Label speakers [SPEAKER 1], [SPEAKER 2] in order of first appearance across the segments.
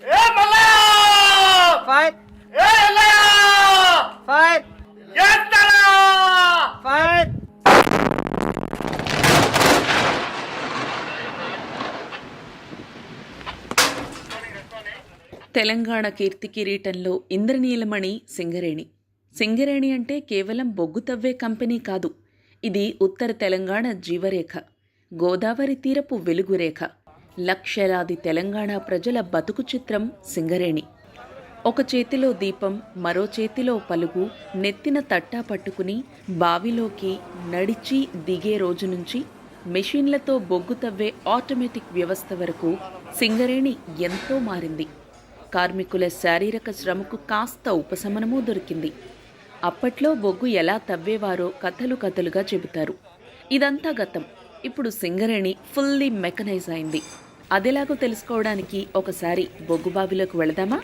[SPEAKER 1] ఏ Mallayya
[SPEAKER 2] fire
[SPEAKER 1] ఏ Ellayya
[SPEAKER 2] fire
[SPEAKER 1] చేస్తారా
[SPEAKER 2] fire.
[SPEAKER 3] Telangana కీర్తి కిరీటంలో ఇంద్రనీలమణి సింగరేణి. సింగరేణి అంటే కేవలం బొగ్గు తవ్వే కంపెనీ కాదు, ఇది ఉత్తర తెలంగాణ జీవరేఖ, గోదావరి తీరపు వెలుగురేఖ. లక్షలాది తెలంగాణ ప్రజల బతుకు చిత్రం సింగరేణి. ఒక చేతిలో దీపం, మరో చేతిలో పలుగు, నెత్తిన తట్టా పట్టుకుని బావిలోకి నడిచి దిగే రోజు నుంచి మెషిన్లతో బొగ్గు తవ్వే ఆటోమేటిక్ వ్యవస్థ వరకు సింగరేణి ఎంతో మారింది. కార్మికుల శారీరక శ్రమకు కాస్త ఉపశమనమూ దొరికింది. అప్పట్లో బొగ్గు ఎలా తవ్వేవారో కథలు కథలుగా చెబుతారు. ఇదంతా గతం. ఇప్పుడు సింగరేణి ఫుల్లీ మెకనైజ్ అయింది. అదెలాగో తెలుసుకోవడానికి ఒకసారి బొగ్గు బావిలోకి వెళదామా?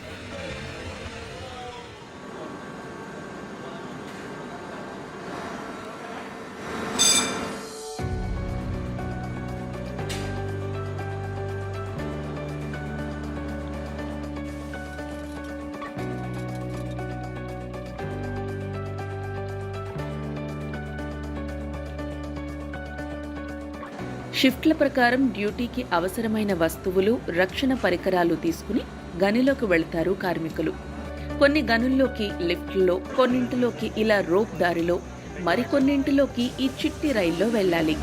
[SPEAKER 3] షిఫ్ట్ల ప్రకారం డ్యూటీకి అవసరమైన వస్తువులు, రక్షణ పరికరాలు తీసుకుని గనిలోకి వెళ్తారు కార్మికులు. కొన్ని గనుల్లోకి లిఫ్ట్లో, కొన్నింటిలోకి ఇలా రోప్ దారిలో, మరికొన్నింటిలోకి ఈ చిట్టి రైల్లో వెళ్ళాలి.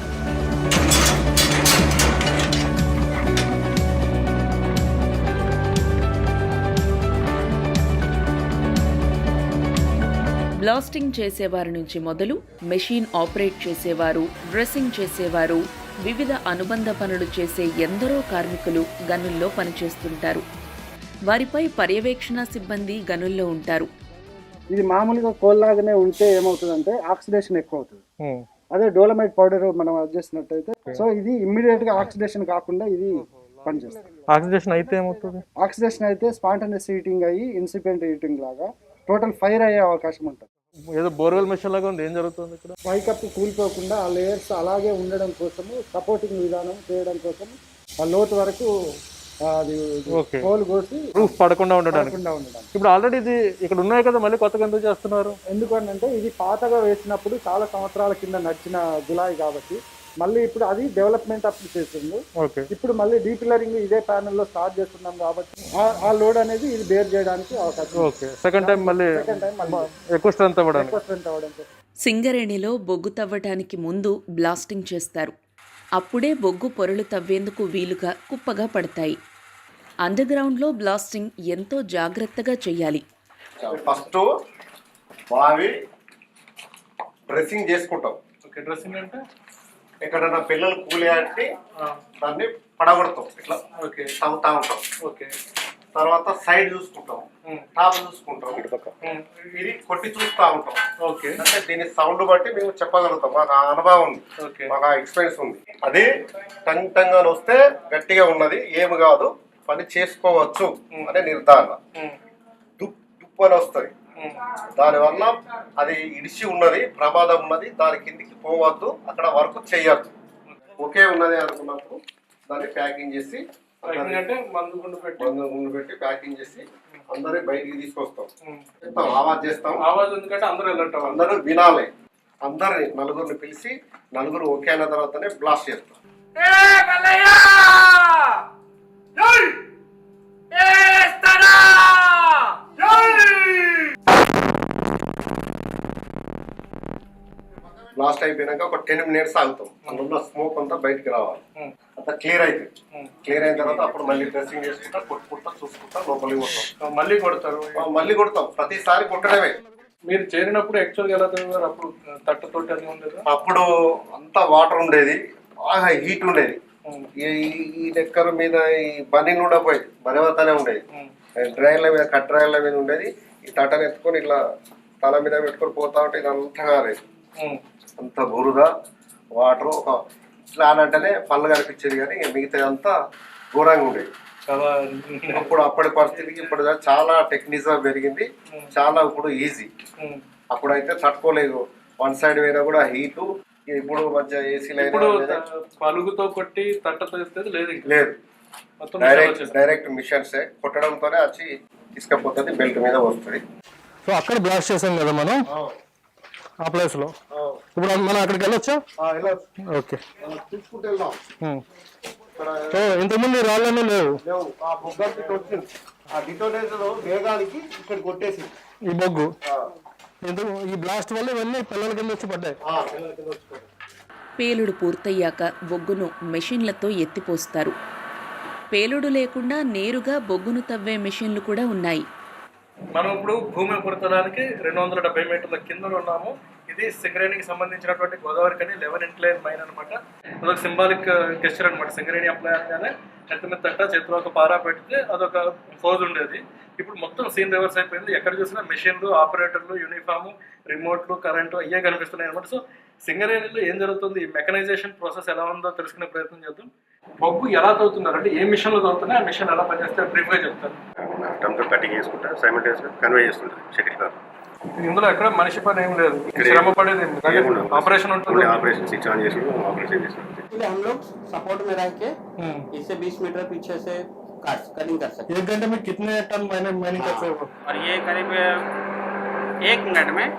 [SPEAKER 3] బ్లాస్టింగ్ చేసేవారి నుంచి మొదలు మెషిన్ ఆపరేట్ చేసేవారు, డ్రెస్సింగ్ చేసేవారు, వివిధ అనుబంధ పనులు చేసే ఎందరో కార్మికులు గనుల్లో పనిచేస్తుంటారు. వారిపై పర్యవేక్షణ సిబ్బంది గనుల్లో ఉంటారు.
[SPEAKER 4] ఇది మామూలుగా కోల్లాగానే ఉంటే ఏమవుతుందంటే ఆక్సిడేషన్ ఎక్కువ అవుతుంది. అదే డోలమైట్ పౌడర్ మనం అది చేసినట్టయితే సో ఇది ఇమ్మీడియట్ గా ఆక్సిడేషన్ కాకుండా ఇది పనిచేస్తుంది.
[SPEAKER 5] ఆక్సిడేషన్ అయితే ఏమవుతుంది?
[SPEAKER 4] ఆక్సిడేషన్ అయితే స్పాంటనియస్ హీటింగ్ అయ్యి ఇన్సిపియంట్ హీటింగ్ లాగా టోటల్ ఫైర్ అయ్యే అవకాశం ఉంటుంది.
[SPEAKER 5] ఏదో బోర్వెల్ మెషిన్ లాగా ఉంది, ఏం జరుగుతుంది ఇక్కడ?
[SPEAKER 4] పైకప్పు కూలిపోకుండా ఆ లేయర్స్ అలాగే ఉండడం కోసము సపోర్టింగ్ విధానం చేయడం కోసం ఆ లోతు వరకు అది హోల్ కోసి
[SPEAKER 5] రూఫ్ పడకుండా ఉండడానికి. ఇప్పుడు ఆల్రెడీ ఇది ఇక్కడ ఉన్నాయి కదా, మళ్ళీ కొత్తగా ఎందుకు చేస్తున్నారు?
[SPEAKER 4] ఎందుకంటే ఇది పాతగా వేసినప్పుడు చాలా సంవత్సరాల కింద నడిచిన గులాయి కాబట్టి మళ్ళీ ఇప్పుడు అది డెవలప్మెంట్ అప్పుడు చేస్తుంది. ఇప్పుడు మళ్ళీ డీపిల్లరింగ్ ఇదే ప్యానెల్ లో స్టార్ట్ చేస్తున్నాం కాబట్టి ఆ లోడ్ అనేది ఇది బేర్ చేయడానికి అవకాశం.
[SPEAKER 5] సెకండ్ టైం మళ్ళీ ఎక్కువ స్ట్రెంత్ అవ్వడానికి.
[SPEAKER 3] సింగరేణిలో బొగ్గు తవ్వటానికి ముందు బ్లాస్టింగ్ చేస్తారు. అప్పుడే బొగ్గు పొరలు తవ్వేందుకు వీలుగా కుప్పగా పడతాయి. అండర్ గ్రౌండ్లో బ్లాస్టింగ్ ఎంతో జాగ్రత్తగా చెయ్యాలి.
[SPEAKER 1] ఫస్ట్ బావి డ్రెస్సింగ్ చేసుకుంటాం.
[SPEAKER 5] డ్రెస్సింగ్ అంటే
[SPEAKER 1] ఎక్కడన్నా పిల్లలు కూలేంటి దాన్ని పడగొడతాం, ఇట్లా తవ్వుతా ఉంటాం. తర్వాత సైడ్ చూసుకుంటాం, టాప్ చూసుకుంటాం, ఇది కొట్టి చూస్తూ ఉంటాం. అంటే దీని సౌండ్ బట్టి మేము చెప్పగలుగుతాం. మాకు ఆ అనుభవం ఉంది, మాకు ఆ ఎక్స్పీరియన్స్ ఉంది. అది టంగ్ టంగ్ అని వస్తే గట్టిగా ఉన్నది, ఏమి కాదు, పని చేసుకోవచ్చు అనే నిర్ధారణ. దుప్పు అని వస్తుంది, దానివల్ల అది ఇడిచి ఉన్నది, ప్రమాదం ఉన్నది, దాని కిందికి పోవద్దు, అక్కడ వర్క్ చేయొద్దు. ఒకే ఉన్నది అనుకున్నప్పుడు దాన్ని ప్యాకింగ్ చేసి మందు గుండు పెట్టి ప్యాకింగ్ చేసి అందరూ బయటికి తీసుకొస్తాం. ఆవాజ్ చేస్తాం.
[SPEAKER 5] ఎందుకంటే
[SPEAKER 1] అందరూ వినాలి. అందరిని నలుగురిని పిలిచి నలుగురు ఓకే అయిన తర్వాతనే బ్లాస్ట్ చేస్తాం. బ్లాస్ట్ అయిపోయినాక ఒక 10 minutes ఆగుతాం. అందులో స్మోక్ అంతా బయటికి రావాలి, అంతా క్లియర్ అవుతుంది. క్లియర్ అయిన తర్వాత అప్పుడు మళ్ళీ డ్రెస్సింగ్ చేసుకుంటా కొట్టుకుంటా చూసుకుంటా లోపలికి పోతాం. మళ్ళీ కొడతాం. ప్రతిసారి కొట్టడమే.
[SPEAKER 5] మీరు చేరినప్పుడు యాక్చువల్గా ఎలా చదివారు? అప్పుడు తట్టతోటి అది ఉండేది.
[SPEAKER 1] అప్పుడు అంతా వాటర్ ఉండేది, బాగా హీట్ ఉండేది. ఈ డెక్కర్ మీద ఈ బని ఉండకపోయేది, బనివతనే ఉండేది. డ్రైన్ల మీద కట్ డ్రైన్ల మీద ఉండేది. ఈ తట్టను ఎత్తుకొని ఇట్లా తల మీద పెట్టుకొని పోతా ఉంటే ఇదంతా కాలేదు, అంత బురద వాటర్. ఒక ఇట్లా అనంటేనే పళ్ళు కనిపించేది, కానీ మిగతా అంతా ఘోరంగా ఉండేది. అప్పటి పరిస్థితికి ఇప్పుడు చాలా టెక్నిజం పెరిగింది, చాలా ఇప్పుడు ఈజీ. అప్పుడైతే తట్టుకోలేదు, వన్ సైడ్ పోయినా కూడా హీటు. ఇప్పుడు మంచిగా ఏసీలో
[SPEAKER 5] పలుగుతో కొట్టి తట్టతో లేదు. మొత్తం
[SPEAKER 1] డైరెక్ట్ మిషన్స్ కొట్టడంతోనే వచ్చి తీసుకపోతుంది, బెల్ట్ మీద వస్తుంది.
[SPEAKER 5] సో అక్కడ బ్లాస్ట్ చేసాం కదా మనం ఆ ప్లేస్ లో. ఇప్పుడు మనం అక్కడికి వెళ్ళొచ్చా? ఓకే.
[SPEAKER 1] తీసుకుంటూ వెళ్దాం.
[SPEAKER 5] సో ఇంతకుముందు రాళ్ళనే లేవు.
[SPEAKER 1] ఆ బొగ్గకి వచ్చింది, ఆ డిటోనేటర్ వేగానికి ఇక్కడ కొట్టేసి
[SPEAKER 5] ఈ బొగ్గు ఈ బ్లాస్ట్ వల్ల ఇవన్నీ పిల్లల కింద వచ్చి పడ్డాయి.
[SPEAKER 3] పేలుడు పూర్తయ్యాక బొగ్గును మెషిన్లతో ఎత్తిపోస్తారు. పేలుడు లేకుండా నేరుగా బొగ్గును తవ్వే మెషిన్లు కూడా ఉన్నాయి.
[SPEAKER 5] మనం ఇప్పుడు భూమి ఉపరితలానికి 270 మీటర్ల కింద ఉన్నాము. ఇది సింగరేణికి సంబంధించినటువంటి గోదావరి కని 11 ఇంక్లైన్ మైన్ అనమాట. అదొక సింబాలిక్ గెస్చర్ అనమాట. సింగరేణి అప్లై అనగానే ఎంత మీద తట్ట చేతిలో ఒక పారా పెడితే అదొక ఫోజ్ ఉండేది. ఇప్పుడు మొత్తం సీన్ రివర్స్ అయిపోయింది. ఎక్కడ చూసినా మెషిన్లు, ఆపరేటర్లు, యూనిఫామ్, రిమోట్లు, కరెంటు అయ్యే కనిపిస్తున్నాయి అనమాట. సో సింగరేణిలో ఏం జరుగుతుంది, ఈ మెకనైజేషన్ ప్రాసెస్ ఎలా ఉందో తెలుసుకునే ప్రయత్నం చేద్దాం. బొగ్గు ఎలా తవ్వుతున్నారు అంటే ఏ మిషన్లో తవ్వుతున్నాయి, ఆ మిషన్ ఎలా పనిచేస్తే బ్రీఫ్గా చెప్తాను.
[SPEAKER 1] కటింగ్ చేసుకుంటా సైమల్టేనియస్గా కన్వే చేస్తుంటారు సెకండ్ కార్.
[SPEAKER 5] ఇందులో ఎక్కడ మనిషి పని ఏం లేదు, శ్రమ పడేది ఆపరేషన్ ఉంటుంది.
[SPEAKER 1] ऑपरेशन स्विच ऑन చేసి ఆపరేషన్ చేస్తారు.
[SPEAKER 2] हम लोग सपोर्ट में रह के इससे 20 मीटर पीछे से कटिंग कर सकते हैं।
[SPEAKER 5] 1 घंटे में कितने टन माइनिंग कर सकते हो?
[SPEAKER 2] और ये करीब 1 मिनट में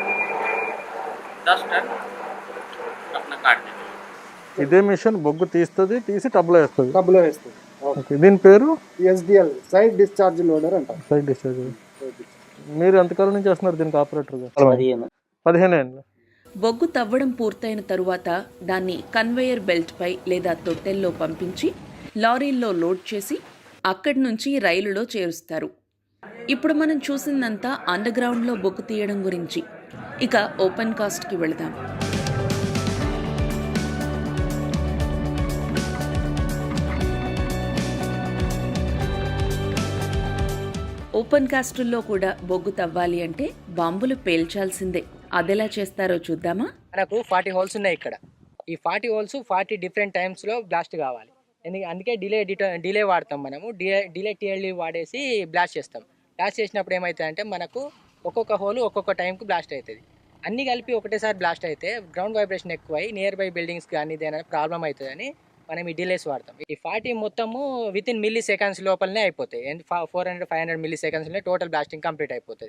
[SPEAKER 2] 10 टन अपना काट देते हैं।
[SPEAKER 5] ఇదే మిషన్ బొగ్గు తీసి టబ్లో వేస్తుంది.
[SPEAKER 4] డబ్బులో వేస్తుంది.
[SPEAKER 5] ఓకే. దీని పేరు
[SPEAKER 4] SDL, సైడ్ డిశ్చార్జ్ లోడర్ అంటారు.
[SPEAKER 5] Side discharge. మీరు ఎంతకాలం నుంచి చేస్తున్నారు దీనికి ఆపరేటర్గా? 15 ఏళ్ళు.
[SPEAKER 3] బొగ్గు తవ్వడం పూర్తయిన తరువాత దాన్ని కన్వేయర్ బెల్ట్పై లేదా తొట్టెల్లో పంపించి లారీల్లో లోడ్ చేసి అక్కడి నుంచి రైలులో చేరుస్తారు. ఇప్పుడు మనం చూసిందంతా అండర్గ్రౌండ్లో బొగ్గు తీయడం గురించి. ఇక ఓపెన్ కాస్ట్కి వెళదాం. ఓపెన్ కాస్టుల్లో కూడా బొగ్గు తవ్వాలి అంటే బాంబులు పేల్చాల్సిందే. అదెలా చేస్తారో చూద్దామా?
[SPEAKER 6] మనకు 40 హోల్స్ ఉన్నాయి ఇక్కడ. ఈ 40 హోల్స్ 40 డిఫరెంట్ టైమ్స్లో బ్లాస్ట్ కావాలి. అందుకే డిలే వాడతాం మనము. డిలే TLD వాడేసి బ్లాస్ట్ చేస్తాం. బ్లాస్ట్ చేసినప్పుడు ఏమవుతుందంటే మనకు ఒక్కొక్క హోల్ ఒక్కొక్క టైంకి బ్లాస్ట్ అవుతుంది. అన్నీ కలిపి ఒకటేసారి బ్లాస్ట్ అయితే గ్రౌండ్ వైబ్రేషన్ ఎక్కువై నియర్ బై బిల్డింగ్స్ కానీ ఏదైనా ప్రాబ్లం అవుతుందని మనం ఈ డిలేస్ వాడతాం. ఈ 40 మొత్తము వితిన్ మిల్లీ సెకండ్స్ లోపలనే అయిపోతాయి. 400-500 మిల్లీ సెకండ్స్లో టోటల్ బ్లాస్టింగ్ కంప్లీట్ అయిపోతుంది.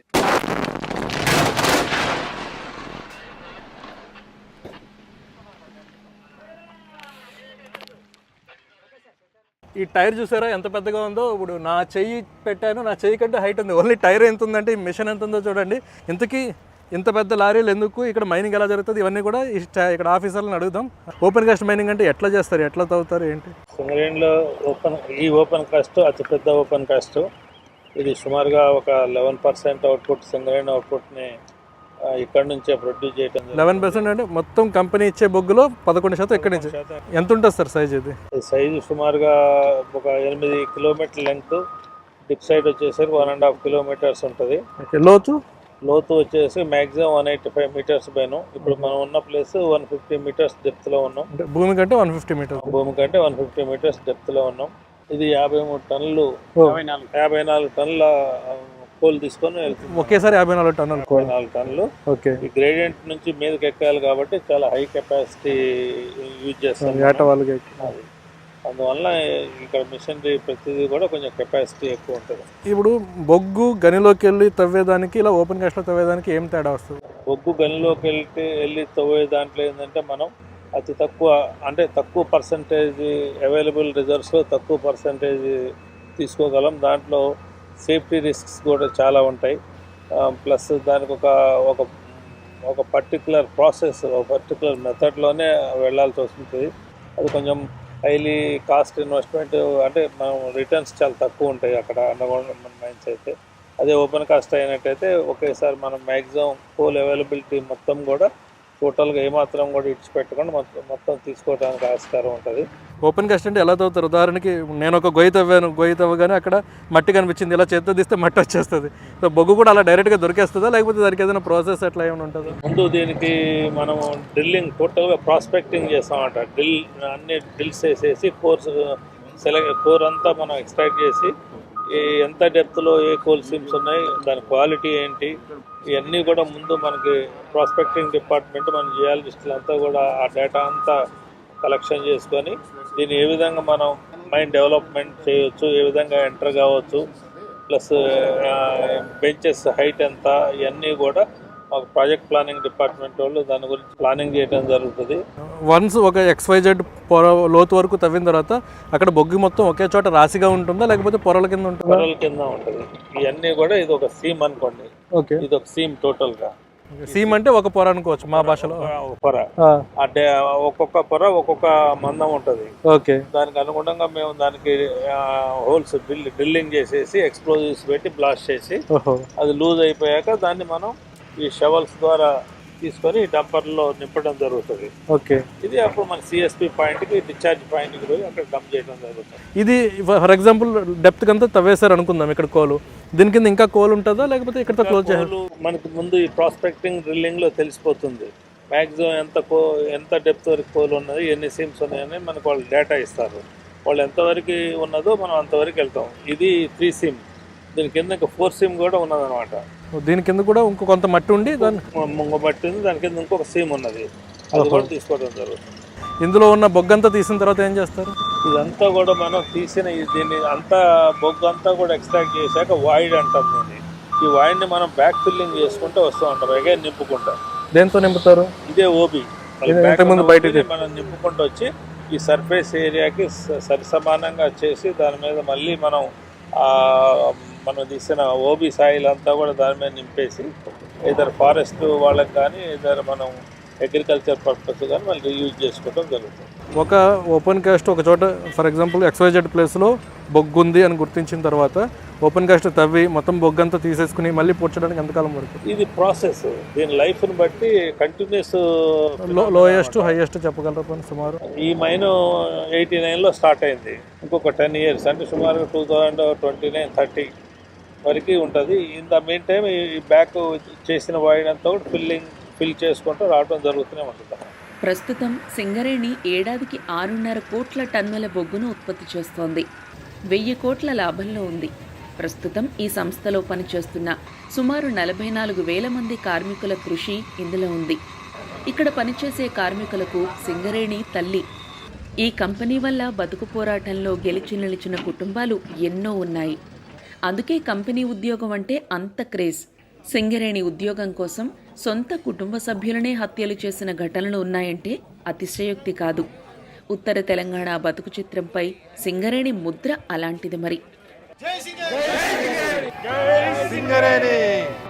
[SPEAKER 5] ఈ టైర్ చూసారా ఎంత పెద్దగా ఉందో? ఇప్పుడు నా చెయ్యి పెట్టాను, నా చెయ్యి కంటే హైట్ ఉంది. ఓన్లీ టైర్ ఎంత ఉందంటే ఈ మిషన్ ఎంత ఉందో చూడండి. ఇంతకీ ఇంత పెద్ద లారీలు ఎందుకు, ఇక్కడ మైనింగ్ ఎలా జరుగుతుంది, ఇవన్నీ కూడా ఇక్కడ ఆఫీసర్లను అడుగుదాం. ఓపెన్ కాస్ట్ మైనింగ్ అంటే ఎట్లా చేస్తారు, ఎట్లా తవ్వుతారు, ఏంటి?
[SPEAKER 7] సింగరేణిలో ఓపెన్ కాస్ట్ అతిపెద్ద ఓపెన్ కాస్ట్. ఇది సుమారుగా ఒక 11% అవుట్పుట్ సింగరేణి అవుట్పుట్ని ఇక్కడ నుంచే ప్రొడ్యూస్ చేయడం.
[SPEAKER 5] 11% అంటే మొత్తం కంపెనీ ఇచ్చే బొగ్గులో 11% ఇక్కడ నుంచి. ఎంత ఉంటుంది సార్ సైజ్? ఇది
[SPEAKER 7] సైజు సుమారుగా ఒక 8 కిలోమీటర్ లెంగ్త్, డిప్ సైడ్ వచ్చేసరికి 1.5 కిలోమీటర్స్ ఉంటుంది. లోతు వచ్చేసి మ్యాక్సిమం 185 మీటర్స్ పైన. ఇప్పుడు మనం ఉన్న ప్లేస్ 150 మీటర్స్ డెప్త్ లో ఉన్నాం.
[SPEAKER 5] భూమి కంటే 150 మీటర్స్ డెప్త్ లో ఉన్నాం. ఇది 53 టన్నులు 54 టన్నుల కోల్ తీసుకొని వెళ్తుంది. ఒకేసారి 54
[SPEAKER 7] టన్నులు. ఓకే. ఈ గ్రేడియంట్ నుంచి మీదకి ఎక్కాలి కాబట్టి చాలా హై కెపాసిటీ యూజ్ చేస్తాం. అందువల్ల ఇక్కడ మిషనరీ ప్రతిదీ కూడా కొంచెం కెపాసిటీ ఎక్కువ ఉంటుంది.
[SPEAKER 5] ఇప్పుడు బొగ్గు గనిలోకి వెళ్ళి తవ్వేదానికి ఇలా ఓపెన్ కాస్ట్లో తవ్వేదానికి ఏం తేడా వస్తుంది?
[SPEAKER 7] బొగ్గు గనిలోకి వెళ్ళి తవ్వే దాంట్లో ఏంటంటే మనం అతి తక్కువ పర్సంటేజ్ అవైలబుల్ రిజర్వ్స్లో తక్కువ పర్సంటేజ్ తీసుకోగలం. దాంట్లో సేఫ్టీ రిస్క్స్ కూడా చాలా ఉంటాయి. ప్లస్ దానికి ఒక పర్టికులర్ ప్రాసెస్, ఒక పర్టికులర్ మెథడ్లోనే వెళ్ళాల్సి వస్తుంది. అది కొంచెం హైలీ కాస్ట్ ఇన్వెస్ట్మెంట్, అంటే మనం రిటర్న్స్ చాలా తక్కువ ఉంటాయి అక్కడ అండర్గ్రౌండ్ మైన్స్ అయితే. అదే ఓపెన్ కాస్ట్ అయినట్టయితే ఒకేసారి మనం మ్యాక్సిమం కోల్ అవైలబిలిటీ మొత్తం కూడా టోటల్గా ఏమాత్రం కూడా ఇడిచిపెట్టకుండా మొత్తం తీసుకోవడానికి ఆస్కారం ఉంటుంది.
[SPEAKER 5] ఓపెన్ కాస్ట్ అంటే ఎలా తవ్వుతారు? ఉదాహరణకి నేను ఒక గొయ్యి తవ్వగానే అక్కడ మట్టి కనిపించింది, ఇలా చేత్తో తీస్తే మట్టి వచ్చేస్తుంది. సో బొగ్గు కూడా అలా డైరెక్ట్గా దొరికేస్తుందా, లేకపోతే దానికి ఏదైనా ప్రాసెస్ అట్లా ఏమైనా ఉంటుందా?
[SPEAKER 7] ముందు దీనికి మనం డ్రిల్లింగ్ టోటల్గా ప్రాస్పెక్టింగ్ చేస్తామంట. అన్ని డ్రిల్స్ వేసేసి కోర్ అంతా మనం ఎక్స్ట్రాక్ట్ చేసి ఎంత డెప్త్లో ఏ కోల్ సీమ్స్ ఉన్నాయి, దాని క్వాలిటీ ఏంటి, ఇవన్నీ కూడా ముందు మనకి ప్రాస్పెక్టింగ్ డిపార్ట్మెంట్, మన జియాలజిస్టులు అంతా కూడా ఆ డేటా అంతా కలెక్షన్ చేసుకొని దీన్ని ఏ విధంగా మనం మైన్ డెవలప్మెంట్ చేయొచ్చు, ఏ విధంగా ఎంటర్ కావచ్చు, ప్లస్ బెంచెస్ హైట్ ఎంత, ఇవన్నీ కూడా మాకు ప్రాజెక్ట్ ప్లానింగ్ డిపార్ట్మెంట్ వాళ్ళు దాని గురించి ప్లానింగ్ చేయడం జరుగుతుంది.
[SPEAKER 5] వన్స్ ఒక XYZ పొర లోతు వరకు తవ్విన తర్వాత అక్కడ బొగ్గు మొత్తం ఒకే చోట రాశిగా ఉంటుందా లేకపోతే పొరల కింద ఉంటుందా?
[SPEAKER 7] పొరల కింద ఉంటుంది. ఇవన్నీ కూడా ఇది ఒక సీమ్ అనుకోండి,
[SPEAKER 5] ఓకే,
[SPEAKER 7] ఇది ఒక సీమ్ టోటల్గా.
[SPEAKER 5] సీమ్ అంటే ఒక పొర అనుకోవచ్చు మా భాషలో.
[SPEAKER 7] ఒక పొర అంటే ఒక్కొక్క పొర ఒక్కొక్క మందం ఉంటుంది.
[SPEAKER 5] ఓకే,
[SPEAKER 7] దానికి అనుగుణంగా మేము దానికి హోల్స్ డ్రిల్లింగ్ చేసేసి ఎక్స్ప్లోజివ్స్ పెట్టి బ్లాస్ట్ చేసి అది లూజ్ అయిపోయాక దాన్ని మనం ఈ షవల్స్ ద్వారా తీసుకొని డంపర్లో నింపడం జరుగుతుంది.
[SPEAKER 5] ఓకే,
[SPEAKER 7] ఇది అప్పుడు మన CSP పాయింట్కి డిశ్చార్జ్ పాయింట్కి పోయి అక్కడ డంప్ చేయడం జరుగుతుంది.
[SPEAKER 5] ఇది ఫర్ ఎగ్జాంపుల్ డెప్త్ అంతా తవ్వేశారు అనుకుందాం, ఇక్కడ కోలు, దీని కింద ఇంకా కోల్ ఉంటుందా లేకపోతే ఇక్కడ క్లోజ్ చేయాలి?
[SPEAKER 7] మనకి ముందు ఈ ప్రాస్పెక్టింగ్ డ్రిల్లింగ్లో తెలిసిపోతుంది మ్యాక్సిమం ఎంత డెప్త్ వరకు కోల్ ఉన్నది, ఎన్ని సీమ్స్ ఉన్నాయని మనకు వాళ్ళు డేటా ఇస్తారు. వాళ్ళు ఎంతవరకు ఉన్నదో మనం అంతవరకు వెళ్తాం. ఇది 3 సీమ్, దీని కింద ఇంకా 4 సీమ్ కూడా ఉన్నదన్నమాట.
[SPEAKER 5] దీని కింద కూడా ఇంకో కొంత మట్టి ఉండి దాని
[SPEAKER 7] మట్టి ఉంది, దాని కింద ఇంకొక సీమ్ ఉన్నది, అది కూడా తీసుకోవడం జరుగుతుంది.
[SPEAKER 5] ఇందులో ఉన్న బొగ్గంతా తీసిన తర్వాత ఏం చేస్తారు?
[SPEAKER 7] ఇదంతా కూడా మనం తీసిన దీన్ని అంతా బొగ్గు అంతా కూడా ఎక్స్ట్రాక్ట్ చేశాక వాయిడ్ అంటాం దీన్ని. ఈ వాయిడ్ని మనం బ్యాక్ ఫిల్లింగ్ చేసుకుంటూ వస్తూ ఉంటాం, అగైన్ నింపుకుంటాం.
[SPEAKER 5] దేంతో నింపుతారు?
[SPEAKER 7] ఇదే ఓబీ మనం నింపుకుంటూ వచ్చి ఈ సర్ఫేస్ ఏరియాకి సరి సమానంగా చేసి దాని మీద మళ్ళీ మనం తీసిన ఓబీ సాయిల్ అంతా కూడా దాని మీద నింపేసి ఇద్దరు ఫారెస్ట్ వాళ్ళకి కానీ ఇద్దరు మనం అగ్రికల్చర్ పర్పస్ కానీ మళ్ళీ యూజ్ చేసుకోవడం జరుగుతుంది.
[SPEAKER 5] ఒక ఓపెన్ కాస్ట్ ఒక చోట ఫర్ ఎగ్జాంపుల్ XYZ ప్లేస్లో బొగ్గు ఉంది అని గుర్తించిన తర్వాత ఓపెన్ కాస్ట్ తవ్వి మొత్తం బొగ్గంతా తీసేసుకుని మళ్ళీ పూడ్చడానికి ఎంతకాలం పడుతుంది?
[SPEAKER 7] ఇది ప్రాసెస్, దీని లైఫ్ని బట్టి కంటిన్యూస్.
[SPEAKER 5] లోయెస్ట్ హైయెస్ట్ చెప్పగలరా సుమారు?
[SPEAKER 7] ఈ మైన్ 89లో స్టార్ట్ అయింది, ఇంకొక 10 years అంటే సుమారుగా 2029-30 వరకు ఉంటుంది. ఇన్ ద మెయిన్ టైం ఈ బ్యాక్ చేసిన వాయిడ్ అంతా కూడా ఫిల్ చేసుకుంటూ రావడం జరుగుతూనే ఉంటుంది.
[SPEAKER 3] ప్రస్తుతం సింగరేణి ఏడాదికి 6.5 కోట్ల టన్నుల బొగ్గును ఉత్పత్తి చేస్తోంది. 1000 కోట్ల లాభంలో ఉంది. ప్రస్తుతం ఈ సంస్థలో పనిచేస్తున్న సుమారు 44,000 మంది కార్మికుల కృషి ఇందులో ఉంది. ఇక్కడ పనిచేసే కార్మికులకు సింగరేణి తల్లి. ఈ కంపెనీ వల్ల బతుకు పోరాటంలో గెలిచి నిలిచిన కుటుంబాలు ఎన్నో ఉన్నాయి. అందుకే కంపెనీ ఉద్యోగం అంటే అంత క్రేజ్. సింగరేణి ఉద్యోగం కోసం సొంత కుటుంబ సభ్యులనే హత్యలు చేసిన ఘటనలు ఉన్నాయంటే అతిశయోక్తి కాదు. ఉత్తర తెలంగాణ బతుకు చిత్రంపై సింగరేణి ముద్ర అలాంటిది మరి.
[SPEAKER 1] జై సింగరేణి!